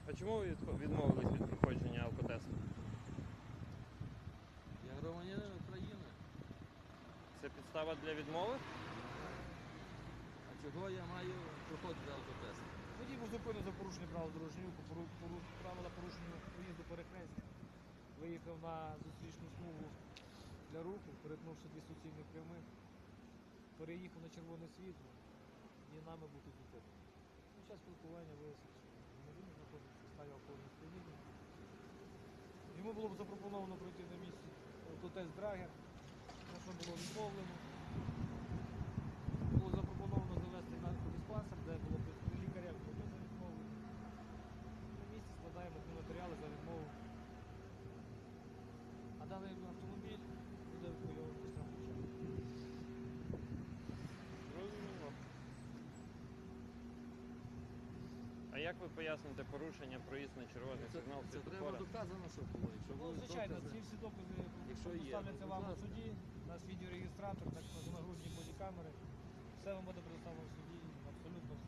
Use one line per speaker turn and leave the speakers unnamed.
А чому ви відмовились від проходження алкотесту?
Я громадянин України.
Це підстава для відмови?
А чого я маю проходити алкотест?
Водій був зупинений за порушення правил дорожнього руху, правила порушення проїзду перехрестя. Виїхав на зустрічну смугу для руху, перетнувши дві суцільних прямих, переїхав на червоне світло і нами був тут зупинений. Під час спілкування вияснив, що громадянин знаходиться в стані алкогольного сп'яніння. Йому було б запропоновано пройти на місці алкотест Драгер, на що було відмовлено. Було запропоновано завести наркодиспансер, де було б при лікарях за відмову. На місці складаємо матеріали за відмову. А даний автомобіль буде евакуйований з травмочами.
Зрозуміло. А як ви поясните порушення проїзд на червоний сигнал
Це треба
світлофора?
доказано, що було. Якщо
Ну,
були
звичайно,
докази,
ці всі докази
Якщо є,
доставляться
то,
вам
будь
у
ласка.
суді, у нас відеореєстратор, так що нагрудні бодікамери. Все вам буде предоставлено в суді, абсолютно все.